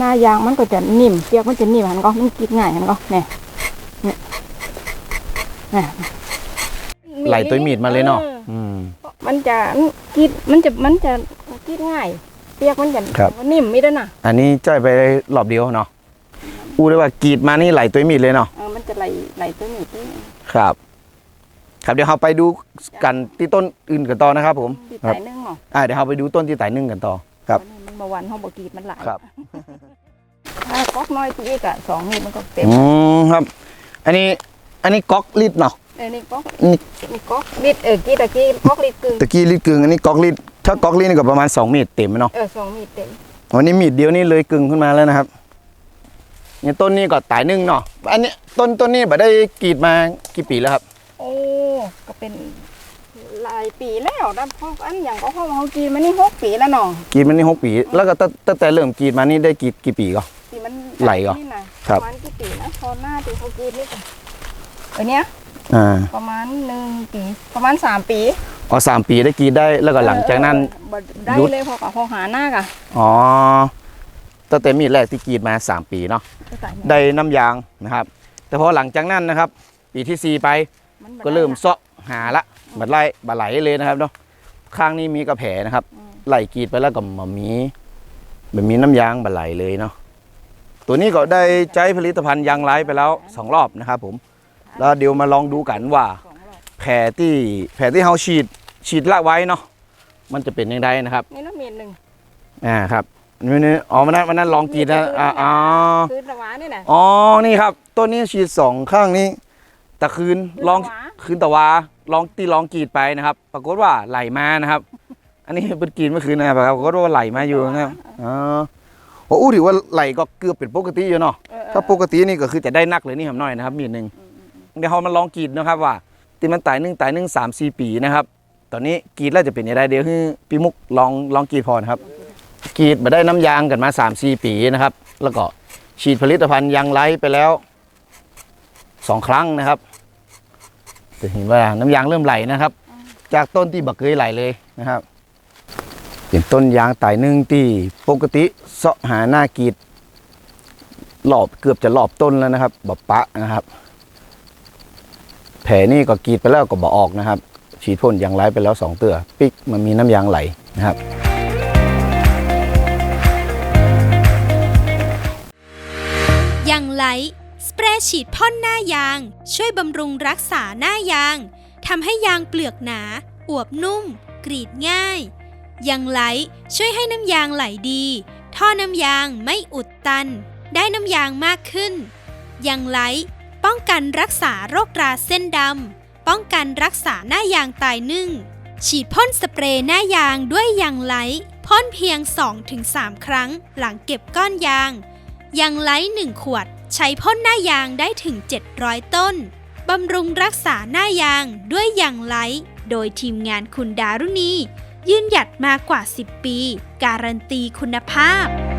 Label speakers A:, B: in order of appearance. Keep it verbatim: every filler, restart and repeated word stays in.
A: น้ายางมันก็จะนิ่มเปียกมันจะนิ่มหันก็มันกินง่ายหันก็เนี่ยเนี่ยเนี่ย
B: ไหลตัวมีดมาเลยเนาะ
A: มันจะกินมันจะมันจะกินง่ายเปียกมันจะนิ่มไม่ได้น่ะ
B: อันนี้จ่ายไปรอบเดียวเนาะอู้ได้ว่ากรีดมานี่ไหลตัวมีดเลยเนาะ
A: เออมันจะไหลไหลตัวมีด
B: ครับครับเดี๋ยวเราไปดูกันที่ต้นอื่นกันต่อนะครับผม
A: ที่ไต่นึ่งเนาะ
B: อ่าเดี๋ยวเราไปดูต้นที่ไต่นึ่งกันต่อครับ
A: มันมาวันห้องบกีดมันหลาย
B: ครับ
A: ถ้าก๊อกน้อยตัวเอกอะสองนี่มันก็เต็ม
B: อืมครับอันนี้อันนี้ก๊อกลิตรเนาะ
A: เออนี่ก๊อกนี่นี่ก๊อกลิตรเออกี้ตะกี้ก๊อกลิตรกึ่ง
B: ตะกี้ลิตรกึ่งอันนี้ก๊อกลิตรถ้าก๊อกลิตรนี่ก็ประมาณสองเมตรเต็มเนาะ
A: เออสองเมตรเต็ม
B: วันนี้มีดเดียวนี่เลยกึ่งขึ้นมาแล้วนะครับเนี่ยต้นนี้ก็ไต่นึ่งเนาะอันนี้ต้นต้นนี้แบบได้กรีดมากี่ปีแล้วครับ
A: โอ้ก็เป็นหลายปีแล้วนะเพราะอันอย่างก็เขาเขากีดมานี่หกปีแล้วเนาะ
B: กีดมานี่หกปีแล้วก็ตั้งแต่เริ่มกีดมานี่ได้กีดกี่ปีก็ไหลก็
A: ประมาณกี่ปีนะพอหน้าตีเขากีดนี่เออเนี้ยประมาณหนึ่งปีประมาณสามปี
B: อ๋อสามปีได้กีดได้แล้วก็หลังจากนั้น
A: ได้เลยพอกับพอหาหน้ากะ
B: อ๋อตั้งแต่มีดแรกที่กีดมาสามปีเนาะได้น้ำยางนะครับแต่พอหลังจากนั้นนะครับปีที่สี่ไปก็เริ่มเซาะหาละบัดไล่บัดไหลเลยนะครับเนาะข้างนี้มีกระแผนะครับไหลกีดไปแล้วก็มามีแบบมีน้ำยางบัดไหลเลยเนาะตัวนี้ก็ได้ใช้ผลิตภัณฑ์ยางไร้ไปแล้วสองรอบนะครับผมแล้วเดี๋ยวมาลองดูกันว่าแผลที่แผลที่เขาฉีดฉีดละไว้เนาะมันจะเป็นยังไงนะครับ
A: นี่น้ำเมียนหนึ่ง
B: อ่าครับนี่นี่อ๋อวันนั้นวันนั้นลองกีดนะอ๋อ
A: คืนตะวานี่นะ
B: อ๋อนี่ครับต้นนี้ฉีดสองข้างนี้ตะคืนลองคืนตะวาลองตีลองกีดไปนะครับปรากฏว่าไหลมานะครับอันนี้เป็นกีดเมื่อคืนนะครับปรากฏว่าไหลมาอยู่นะครับอ๋อโอ้ถือว่าไหลก็เกือบเป็นปกติอยู่เนาะถ้าปกตินี่ก็คือจะได้นักเลยนี่ครับน้อยนะครับมีดหนึ่งเดี๋ยวเรามาลองกีดนะครับว่าตีมันตายหนึ่งตายหนึ่งสามสี่ปีนะครับตอนนี้กีดแล้วจะเป็นยังไงเดี๋ยวให้พี่มุกลองลองกีดพอนะครับกีดมาได้น้ำยางกันมาสามสี่ปีนะครับแล้วก็ฉีดผลิตภัณฑ์ยางไร้ไปแล้วสองครั้งนะครับจะเห็นว่าน้ำยางเริ่มไหลนะครับจากต้นที่บักเคยไหลเลยนะครับเป็นต้นยางตายหนึ่งที่ปกติเสาะหาหน้ากรีดหลอบเกือบจะหลอบต้นแล้วนะครับบบปะนะครับแผลนี่ก็กรีดไปแล้วก็บ่ออกนะครับฉีดพ่นยางไร้ไปแล้วสองเตือปิกมันมีน้ำยางไหลนะครับ
C: ยางไร้สเปรย์ฉีดพ่นหน้ายางช่วยบำรุงรักษาหน้ายางทำให้ยางเปลือกหนาอวบนุ่มกรีดง่ายยางไร้ช่วยให้น้ำยางไหลดีท่อน้ำยางไม่อุดตันได้น้ำยางมากขึ้นยางไร้ป้องกันรักษาโรคราเส้นดำป้องกันรักษาหน้ายางตายนึ่งฉีดพ่นสเปรย์หน้ายางด้วยยางไร้พ่นเพียง สองถึงสาม ครั้งหลังเก็บก้อนยางยางไร้หนึ่งขวดใช้พ่นหน้ายางได้ถึงเจ็ดร้อยต้นบำรุงรักษาหน้ายางด้วยยางไร้โดยทีมงานคุณดารุณียืนหยัดมากว่าสิบปีการันตีคุณภาพ